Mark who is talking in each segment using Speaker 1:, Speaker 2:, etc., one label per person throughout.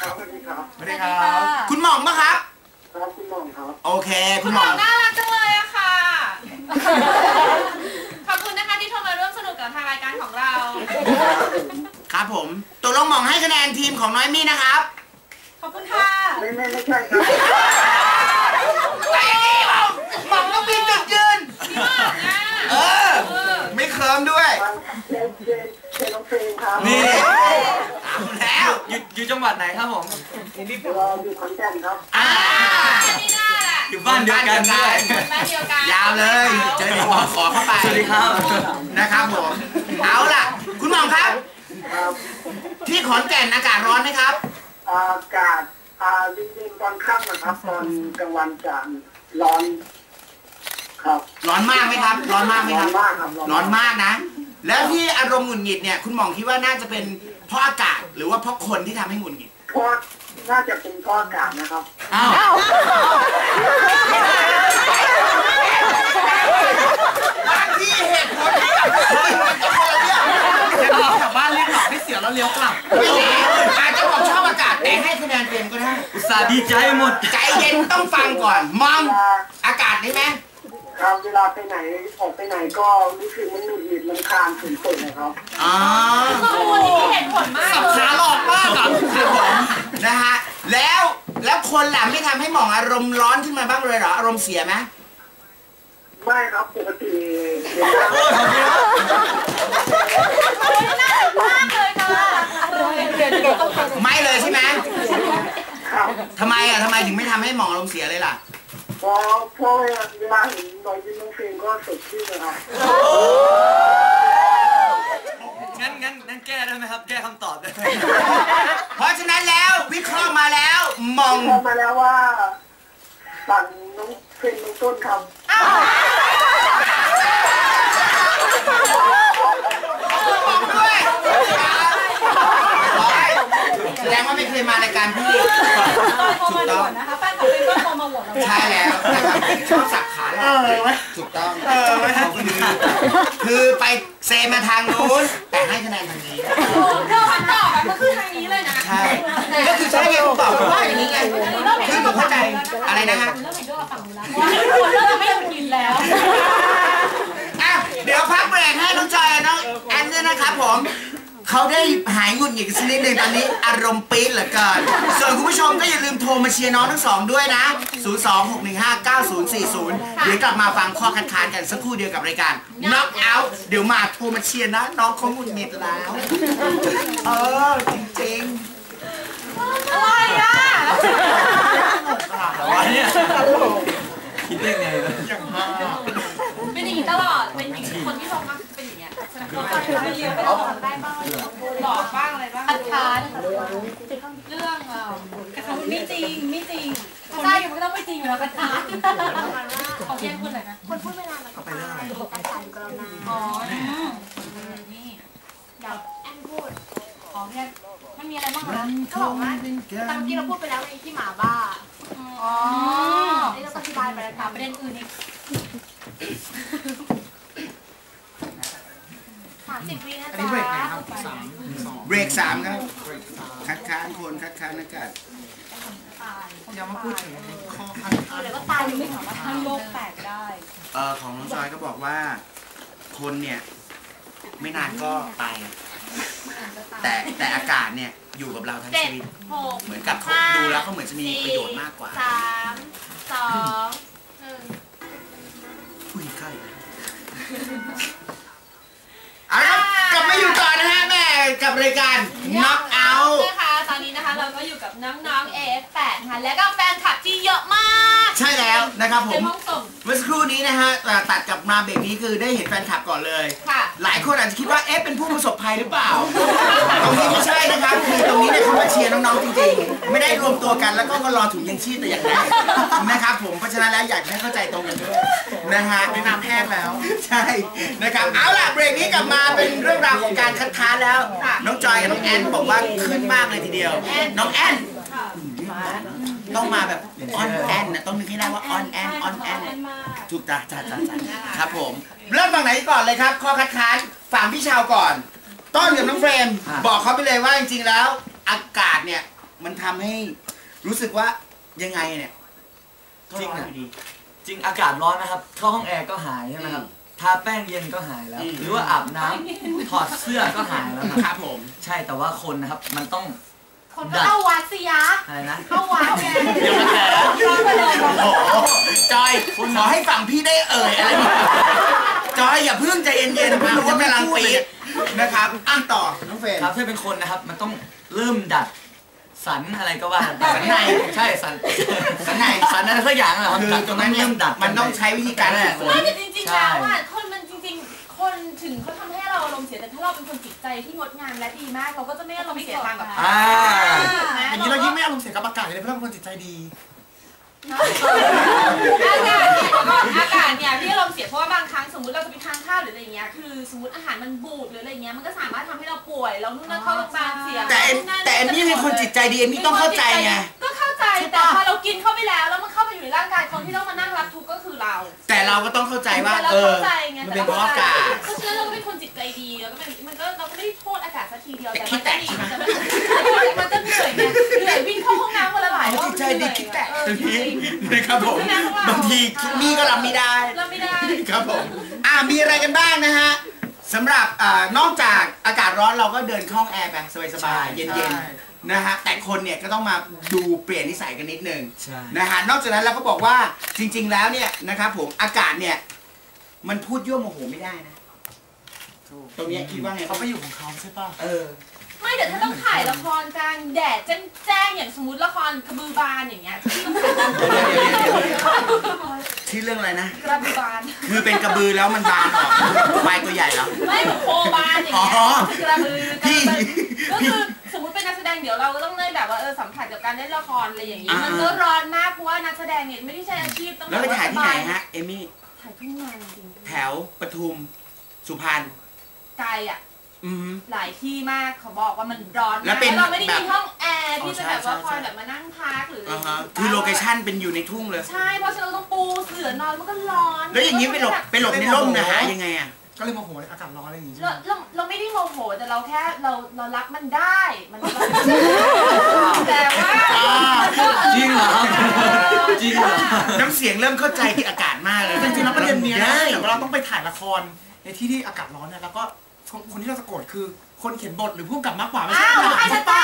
Speaker 1: ครับสวัสดีครับ
Speaker 2: สวัสดีครับคุณหม่องปะครับ
Speaker 1: ครับคุณหม่องครับ
Speaker 2: โอเคคุณหม่อง
Speaker 3: น่ารักจังเลยอะค่ะขอบคุณนะคะที่โทรมาร่วมสนุกกับทางรายการของเรา
Speaker 2: ครับผมตกลงหม่องให้คะแนนทีมของน้อยมี่นะครับ
Speaker 3: ขอบคุณค่ะ
Speaker 1: ไม่ใช่ครับ
Speaker 2: ไอ้นี่หม่องต้องมีจุดยืนไม่เคิร์มด้วย
Speaker 1: เน้องเฟรมครับ
Speaker 2: นี่เอาแล้ว
Speaker 4: อยู่จังหวัดไหนครับผม
Speaker 1: เราอยู่ขอนแก่นครับ
Speaker 3: นี่น่าแหละ
Speaker 4: อยู่บ้านเดียวกันด้วย
Speaker 3: บ้านเดียวกัน
Speaker 2: ยาวเลยเจอเด็กขอเข้าไป
Speaker 4: สวัสดีครับ
Speaker 2: นะครับผมเอาล่ะคุณหม่องครับที่ขอนแก่นอากาศร้อนไหมครับ
Speaker 1: อากาศจริงๆตอนค่ำนะครับตอนกลางวันจะร้อนครับ
Speaker 2: ร้อนมากไหมครับร้อนมากไหมครับ
Speaker 1: ร้อนมากครับ
Speaker 2: ร้อนมากนะแล้วที่อารมณ์หงุดหงิดเนี่ยคุณหม่องคิดว่าน่าจะเป็นเพราะอากาศหรือว่าเพราะคนที่ทำให้หงุดหงิด
Speaker 1: เพราะน่าจะเป็นเพราะอากาศนะครับ
Speaker 2: อ้าวบางทีเหตุผลที่แบบเฮ้ยมันจะคนละเรื่อง
Speaker 4: กลับบ้านรีบหลับให้เสียแล้วเลี้ยวกลับ
Speaker 2: ไม่ใช่อาจจะบอกชอบอากาศแต่ให้คะแนนเต็มก็ได้
Speaker 4: อุตส่าห์ดีใจหมด
Speaker 2: ใจเย็นต้องฟังก่อนมองอากาศได้ไหม
Speaker 1: ครับเวลาไปไหนออกไปไหนก็รู้สึกมันหงุดหงิดรำคาญสุดๆนะครับ
Speaker 2: อ๋อ
Speaker 3: วันนี้มีเหตุผลมาก
Speaker 2: สับขาหลอกมากครับผมนะฮะแล้วคนหลังไม่ทำให้หม่องอารมณ์ร้อนขึ้นมาบ้างเลยเหรออารมณ์เสียไหม
Speaker 1: ไม่ครับปกติ
Speaker 3: น่ารักมากเลยค่ะ
Speaker 2: ไม่เลยใช่ไหม
Speaker 1: ครับ
Speaker 2: ทำไมถึงไม่ทำให้หม่องอารมณ์เสียเลยล่ะ
Speaker 1: เพราะเวลาเห็นรอยยิ้มน้องเฟรมก็สดชื่นนะครับ
Speaker 4: งั้นแก้ได้ไหมครับแก้คำตอบได้
Speaker 2: เพราะฉะนั้นแล้ววิเคราะห์มาแล้วมอง
Speaker 1: มาแล้วว่าสั่งน้องเฟรมน้องต้นครับ
Speaker 2: มองด้วยแสดงว่าไม่เคยมารายการพี่
Speaker 3: ถูกต้องนะคะแฟนของเป็นก็โทรมาโหวตเรา
Speaker 2: ใช่แล้วนะครับชอบสักขาหลอกถูกต้องคือไปเซมาทางนู้นแต่ให้คะแนนทางนี้
Speaker 3: เรื่องคำตอบก็คือทางนี้เลยนะ
Speaker 2: ใช่ก็คือใช่ไงผมตอบว่าอย่างนี้ไงคือผมเข้าใจอะไรนะฮะ
Speaker 3: เริ่มเห็นด้วยกับฝั่งนู้นแล้วว่าเริ่มไม่ต้องกินแล้ว
Speaker 2: เดี๋ยวพักเบรกให้น้องจอยน้องแอนด้วยนะครับผมเขาได้หายหงุดหงิดสักนิดนึงตอนนี้อารมณ์ปี๊ดเหลือเกินส่วนคุณผู้ชมก็อย่าลืมโทรมาเชียร์น้องทั้งสองด้วยนะ 026159040 เดี๋ยวกลับมาฟังข้อคัดค้านกันสักครู่เดียวกับรายการ Knock Out เดี๋ยวมาโทรมาเชียร์นะน้องเขาหงุดหงิดแล้วจริง
Speaker 3: ๆอะไรอ่ะ
Speaker 4: อะไรเนี่ยคิดได้ไงเลย
Speaker 3: เป็นอย่างนี้ตลอดเป็นอย่างนี้คนที่ลงมาเป็นอย่างเงี้ยเราไปเรียนไปหลอกได้บ้างหลอกบ้างอะไรบ้างคัดค้านเรื่องกระทำไม่จริงใช่มันก็ต้องไม่จริงอยู่แล้วคัดค้านของเพียงคนไหนนะคนพูดไม่นานแล้วก็ไปแต่สายกรณาอ๋อนี่เดี๋ยวแอนพูดของเพียงมันมีอะไรบ้างนะก็บอกว่าตอนที่เราพูดไปแล้วในที่หมาบ้าอ๋อนี่เราอธิบายไปแล้วค่ะประเด็นอื่นอีก30 วินะจ๊ะเบรกไหนครับ
Speaker 2: เบรก3ครับคัดค้านคนคัดค้านอากาศ
Speaker 4: ยังมาพูดถึงข้อคัดค้าน
Speaker 3: เลยว่าตายไม่ถามว่าทั้งโลกแตกได้
Speaker 2: ของน้องจอยก็บอกว่าคนเนี่ยไม่นานก็ไปแต่อากาศเนี่ยอยู่กับเราทั้งชีวิตเหมือนกับเขาดูแล้วเขาเหมือนจะมีประโยชน์มากกว่า
Speaker 3: 3 2 1
Speaker 2: คุยใกล้กลับมาอยู่ต่อนะฮะแม่กับรายการ Knock Out
Speaker 3: นะคะตอนนี้นะคะเราก็อยู่กับน้องๆ AF8 นะคะและก็แฟนคลับที่เยอะมาก
Speaker 2: ใช่แล้วนะครับผมเมื่อสักครู่นี้นะฮะตัดกลับมาเบรกนี้คือได้เห็นแฟนคลับก่อนเลยหลายคนอาจจะคิดว่าเป็นผู้ประสบภัยหรือเปล่าตรงนี้ไม่ใช่นะครับคือตรงนี้เนี่ยเขามาเชียร์น้องๆจริงๆไม่ได้รวมตัวกันแล้วก็มารอถุงยังชีพแต่อย่างใดนะครับผมเพราะฉะนั้นแล้วอยากให้เข้าใจตรงกันด้วยนะฮะแนะนำแพทย์แล้วใช่นะครับเอาล่ะเบรกนี้กลับมาเป็นเรื่องราวของการคัดค้านแล้วน้องจอยกับน้องแอนบอกว่าขึ้นมากเลยทีเดียวน้องแอนต้องมาแบบออนแอนนะต้องนึกให้ได้ว่าออนแอนถูกจ้าครับผมเริ่มฝั่งไหนก่อนเลยครับข้อคัดค้านฝั่งพี่ชาวก่อนต้นกับน้องเฟรมบอกเขาไปเลยว่าจริงๆแล้วอากาศเนี่ยมันทำให้รู้สึกว่ายังไงเนี่ย
Speaker 5: จริงนะจริงอากาศร้อนนะครับเข้าห้องแอร์ก็หายใช่ไหมครับทาแป้งเย็นก็หายแล้วหรือว่าอาบน้ำถอดเสื้อก็หายแล้ว
Speaker 2: ครับผม
Speaker 5: ใช่แต่ว่าคนนะครับมันต้อง
Speaker 3: คนก็เข้าวัดสิยะ
Speaker 5: อะไรนะ
Speaker 3: เข้าวัดไง
Speaker 2: เดี๋ยวมาแถจอยขอให้ฝั่งพี่ได้อะไรจอยอย่าเพิ่งใจเย็นๆพี่รู้ว่ากำลังปีดนะครับอ่ะต่อน้องเฟรน
Speaker 5: ครับถ้าเป็นคนนะครับมันต้องเริ่มดัดสันอะไรก็ว่า
Speaker 2: สันใน
Speaker 5: ใช่สันในสันอะไรสักอย่างอะ
Speaker 2: คือตรงนั้นเริ่มดัดมันต้องใช้วิธีการ
Speaker 3: ไม่แต่จริงๆแล้วอ่ะคนมันจริงๆคนถึงเขาทำให้เราอารมณ์เสียแต่ถ้าเราเป็นคนจิตใจที่งดงามและดีมากเราก็จะไม่อารมณ์เสียตามกับ
Speaker 4: อย่างนี้เรายิ่งไม่อารมณ์เสียกับอากาศเลยเพราะเราเป็นคนจิตใจดี
Speaker 3: อากาศเนี่ยพี่อารมณ์เสียเพราะว่าบางครั้งสมมติเราจะไปทานข้าวหรืออะไรเงี้ยคือสมมติอาหารมันบูดหรืออะไรเงี้ยมันก็สามารถทำให้เราป่วยเรานู่นนั่นเข้าโรงพยาบาลเสีย
Speaker 2: แต่อันนี้เป็นคนจิตใจดีอันนี้ต้องเข้าใจไง
Speaker 3: ก็เข้าใจแต่พอเรากินเข้าไปแล้วมันเข้าไปอยู่ในร่างกายคนที่ต้องมานั่งรับทุกข์ก็คือเรา
Speaker 2: แต่เราก็ต้องเข้าใจว่ามันเป็นเพราะอากาศ
Speaker 3: เพราะฉะนั้นเราก็เป็นคนจิตใจดีแล้วก็มันก็เราก็ไม่ได้โทษอากาศสักทีเดียวแต่มันก็ดีมันก็เหนื่อยไงเหนื่อยวิ่งเข้าห้องน้ำวันละหลายรอบ
Speaker 2: จิตใจดีคิดแตกนะครับผมบางทีนี่ก็รับไม่ได้ครับผมมีอะไรกันบ้างนะฮะสำหรับนอกจากอากาศร้อนเราก็เดินเข้าห้องแอร์ไปสบายๆเย็นๆนะฮะแต่คนเนี่ยก็ต้องมาดูเปลี่ยนนิสัยกันนิดนึงนะฮะนอกจากนั้นเราก็บอกว่าจริงๆแล้วเนี่ยนะครับผมอากาศเนี่ยมันพูดยั่วโมโหไม่ได้นะตรงนี้คิดว่าไง
Speaker 4: เขาไปอยู่ของเขาใช่ป่ะ
Speaker 3: ไม่แต่ถ้าต้องถ่ายละครกลางแดดแจ้งอย่างสมมติละครกระบือบานอย่างเงี้ย
Speaker 2: ที่เรื่องอะไรนะ
Speaker 3: กระบือบาน
Speaker 2: คือเป็นกระบือแล้วมันบานออกใบตัวใหญ่แล้ว
Speaker 3: ไม่เหมือนโคบานอย่างเงี้ยกระบือก็คือสมมติเป็นนักแสดงเดี๋ยวเราก็ต้องได้แบบว่าสัมผัสกับการเล่นละครอะไรอย่างงี้มันก็ร้อนมากเพราะว่านักแสดงเนี่ยไม่ได้ใช้อาชีพต้อง
Speaker 2: แล้วไปถ่ายที่ไหนฮะเอมี่
Speaker 3: ถ่ายทุ่งนาจริง
Speaker 2: แถวปทุมสุพรรณ
Speaker 3: ไกลอ่ะหลายที่มากเขาบอกว่ามันร้อน
Speaker 2: แล้ว
Speaker 3: เราไม่ได้มีห้องแอร์ที่จะแบบว่าคอยแบบมานั่งพักหรืออะไร
Speaker 2: คือโลเคชั่นเป็นอยู่ในทุ่งเลย
Speaker 3: ใช่เพราะฉะนั้นเราต้องปูเสื่อนอนมันก็ร้อน
Speaker 2: แล้วอย่างนี้ไปหลบในร่มนะหายังไงอ่ะ
Speaker 4: ก็เลยโมโหอากาศร้อนอะไรอย่างงี้
Speaker 3: เราไม่ได้โมโหแต่เราแค่เรารับมันได้มันแต่ว่า
Speaker 5: จริงเหรอจริงเหรอ
Speaker 2: น้ำเสียงเริ่มเข้าใจที่อากาศมากเลย
Speaker 4: จริงๆแล้วประเด็นนี้นะแต่ว่าเราต้องไปถ่ายละครในที่อากาศร้อนเนี่ยแล้วก็คนที่เราจะโกรธคือคนเขียนบทหรือผู้กำกับมากกว่าไม่ใช่
Speaker 3: ใช่ป้า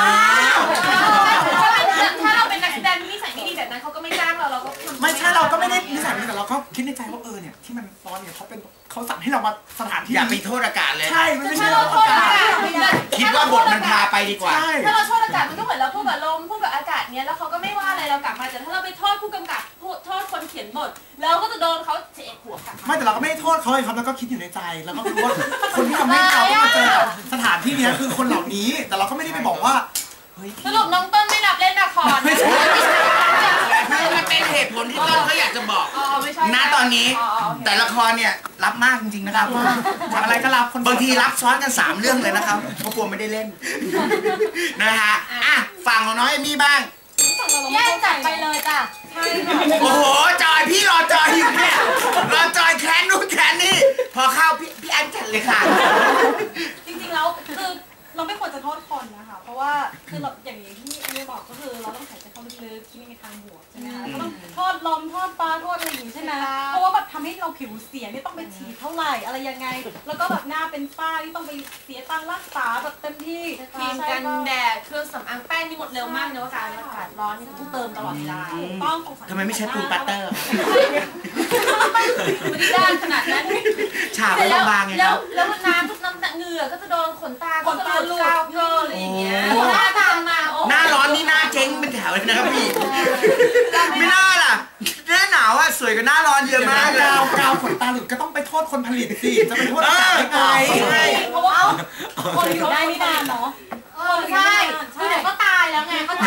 Speaker 3: ถ้าเราเป็นนักแสดงที่นิสัยไม่ดีแบบนั้นเขาก็ไม่จ้างเราก็
Speaker 4: ไม่ใช่เราก็ไม่ได้นิสัยไม่ดีแต่เราก็คิดในใจว่าเนี่ยที่มันร้อนเนี่ยเขาสั่งให้เรามาสถานที่
Speaker 2: อย่าไปโทษอากาศเลย
Speaker 4: ใช่ไม่ใช่
Speaker 3: เราโทษอากาศ
Speaker 2: คิดว่าบทมันพาไปดีกว่า
Speaker 3: ถ้าเราโทษอากาศมันก็เหมือนเราพูดกับลมพูดกับอากาศเนี้ยแล้วเขาก็ไม่ว่าอะไรเรากลับมาแต่ถ้าเราไปโทษผู้กำกับโทษคนเขียนบทเราก็จะโดนเขาเฉะหัวกลับ
Speaker 4: ไม่แต่เราก็ไม่ได้โทษเขาเลยครับแล้วก็คิดอยู่ในใจแล้วก็รู้ว่าคนที่ทำให้เราต้องมาเจอสถานที่นี้คือคนเหล่านี้แต่เราก็ไม่ได้ไปบอกว่า
Speaker 3: สรุปน้องต้นไม่รับเล่นละคร
Speaker 2: ไม่ใช่มันเป็นเหตุผลที่ต้นเขาอยากจะบอกณตอนนี้แต่ละครเนี่ยรับมากจริงๆนะครับ
Speaker 4: อะไรก็รับบ
Speaker 2: างทีรับซ้อนกัน3เรื่องเลยนะครับเพราะกลัวไม่ได้เล่นนะฮะฝั่งของน้องเอมี่บ้าง
Speaker 3: แย่จัดไปเลยจ้ะ
Speaker 2: โอ้โหจอยพี่รอจอยอยู่เนี่ยรอจอยแค้นนู่นแค้นนี่พอเข้าพี่แอนจัดเลยค่ะ
Speaker 3: จริงๆแล้วคือเราไม่ควรจะโทษคนนะคะเพราะว่าคือเราอย่างที่เอบอกก็คือเราต้องหายใจเข้าลึกๆคิดในทางบวกใช่ไหมคะก็ต้องโทษลมโทษฟ้าโทษอะไรอย่างนี้ใช่ไหมเพราะว่าแบบทำให้เราผิวเสียนี่ต้องไปฉีดเท่าไหร่อะไรยังไงแล้วก็แบบหน้าเป็นฝ้าที่ต้องไปเสียตังค์รักษาแบบเต็มที่ครีมกันแดดเครื่องสำอางแป้งนี่หมดเร็วมากเนอะการอากาศร้อนนี่ต้องเติมตลอดเวลาต้อง
Speaker 2: ทำไมไม่ใช้ปูปัตเตอร์
Speaker 3: ไม่ได้ด้านขนาดนั้น
Speaker 2: ฉาบไม่บางไงครับ
Speaker 3: แล้วน้ำทุกน้ำเหงื่อก็จะโดนขนตาก็จะหลุดเกินอะไรอย่างเงี้ยหน้าตามมา
Speaker 2: หน้าร้อนนี่หน้าเจ๊งเป็นแถวเลยนะครับพี่ไม่น่าล่ะหน้าหนาวอ่ะสวยกว่าหน้าร้อนเยอะมากเลย
Speaker 4: กาวขนตาหลุดก็ต้องไปโทษคนผลิตสิจะไปโทษได้ไง
Speaker 3: เพราะว่าคนอยู่ได้ไม่นานเนาะใช่คือเดี๋ยวก็ตายแล้วไงก็ตาย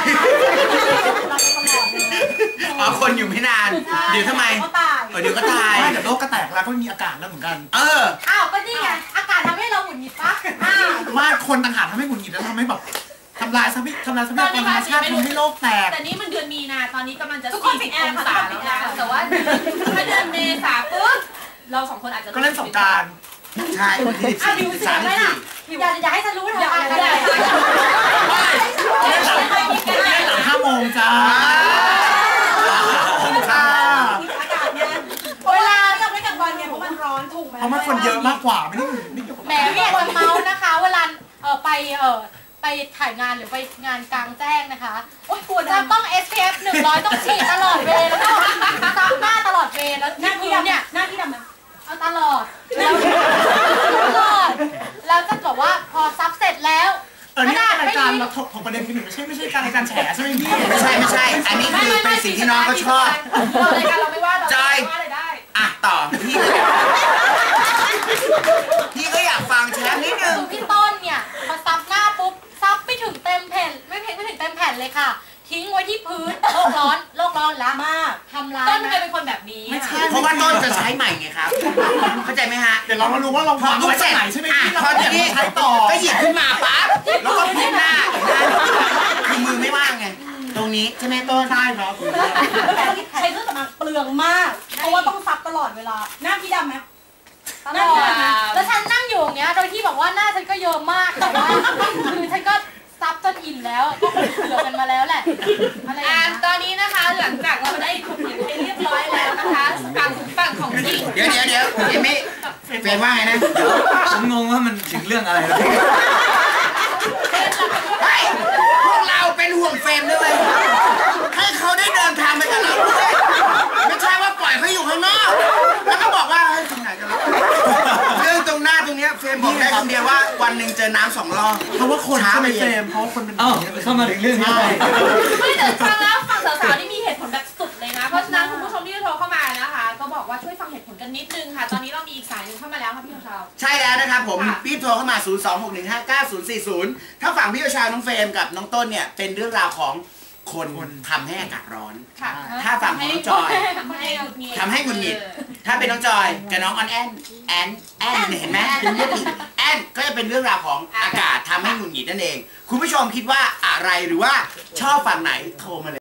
Speaker 2: คนอยู่ไม่นานเดี๋ยวทำไมเดี๋ยวก็ตาย
Speaker 4: เดี๋ยวโลกก็แตกแล้วก็มีอากาศแล้วเหมือนกัน
Speaker 3: อ้าวก็นี่ไงอากาศทำให้เราหงุดหงิดปะ
Speaker 4: ว่าคนต่างหากทำให้หงุดหงิดแล้วทำให้แบบทำลายทรัพยากรธรรมชาติทำให้โลกแตก
Speaker 3: แต่นี่มันเดือนมีนาตอนนี้กำลังจะ40 องศาแล้วนะแต่ว่าถ้าเดือนเมษาปุ๊บเรา2คนอาจจะ
Speaker 4: ก็เล่นสงกรานต์
Speaker 2: ใช่วันที่14
Speaker 3: อย่าให้ฉันรู้เถอะอย่าให้ฉันรู้
Speaker 4: เยอะมากกว่าไม่เกี่ยวกับ
Speaker 3: แหมมีคนเมาส์นะคะเวลาไปถ่ายงานหรือไปงานกลางแจ้งนะคะโอ๊ยจะต้อง SPF 100 ต้องฉีดตลอดเวลแล้วก็ซับหน้าตลอดเวลแล้วหน้าที่ดำเนี่ยหน้าที่ดำนะเอาตลอดแล้วจะบอกว่าพอซับเสร็จแล้ว
Speaker 4: นี่รายการเราถกประเด็นกันอยู่ไม่ใช่การรายการแฉใช่ไหมพี่
Speaker 2: ไม่ใช่อันนี้คือเป็นสิ่งที่น้องเขาชอบ
Speaker 3: รายการเราไม่ว่าเราว่าอะไรได้
Speaker 2: ต่อพี่ก็อยากฟังแชร์นิดนึง
Speaker 3: พี่ต้นเนี่ยพอซับหน้าปุ๊บซับไม่ถึงเต็มแผ่นไม่ถึงเต็มแผ่นเลยค่ะทิ้งไว้ที่พื้นโลกร้อนแล้วมากทำร้ายต้นเป็นคนแบบนี้
Speaker 2: เพราะว่าต้นจะใช้ใหม่ไงครับเข้าใจไหมฮะ
Speaker 4: เดี๋ยวเรามาดูว่าเรา
Speaker 2: พอทุกเสร็จ
Speaker 4: ใช่ไหม
Speaker 2: พอทีนี้
Speaker 4: ใช้ต่อ
Speaker 2: ก็หยิบขึ้นมาปั๊บแล้วก็พลิกหน้าคือมือไม่ว่างไงตรงนี้ใช่ไหมต้น
Speaker 4: ใช่ครับ
Speaker 6: ใช้เครื่องสำอางเปลืองมากเพราะว่าต้องซับตลอดเวลาหน้าพี่ดำไหม
Speaker 3: ตลอดแล้วฉันนั่งอยู่อย่างเงี้ยโดยที่บอกว่าหน้าฉันก็เยอะมากแต่ว่าคือฉันก็ซับจนอิ่มแล้วก็เหลือกันมาแล้วแหละตอนนี้นะคะหลังจากเราได้ถูกเห็นให้เรียบร้อยแล้วนะคะฝั่งของจริง
Speaker 2: เดี๋ยวเอมี่เฟรมว่าไงนะ
Speaker 5: ผมงงว่ามันถึงเรื่องอะไรแล้ว
Speaker 2: พวกเราเป็นห่วงเฟรมด้วยให้เขาได้เดินทางไปกับเราด้วยไม่ใช่ว่าปล่อยเขาอยู่ข้างนอกแล้วก็บอกว่าเฮ้ยทำไหนกันแล้วเรื่องตรงหน้าตรงนี้เฟรมบอกได้คำเดียวว่าวันหนึ่งเจอน้ำ2 รอบ
Speaker 4: เพราะว่าคนใช่ไหมเฟรมเพราะคนเป็น
Speaker 5: เข้ามาถึงเรื่องนี้
Speaker 3: ไม่แต่ฟังแล้วฝั่งสาวๆนี่มีเหตุผลแบบสุดเลยนะเพราะฉะนั้นคุณผู้ชมที่โทรเข้ามานะคะก็บอกว่าช่วยฟังเหตุผลกันนิดนึงค่ะตอนนี้เรามีอีกสายนึงเข้ามาแล้วค่ะพี่ชาว
Speaker 2: ใช่แล้วนะครับผมรีบโทรเข้ามา026159040ถ้าฝั่งพี่ชาวน้องเฟรมกับน้องต้นเนี่ยเป็นเรื่องราวของคนทำให้อากาศร้อนถ้าฝั่งของน้องจอยทำให้หงุดหงิดถ้าเป็นน้องจอยกับน้องออนแอนเห็นไหมแอนก็จะเป็นเรื่องราวของอากาศทำให้หงุดหงิดนั่นเองคุณผู้ชมคิดว่าอะไรหรือว่าชอบฝั่งไหนโทรมาเลย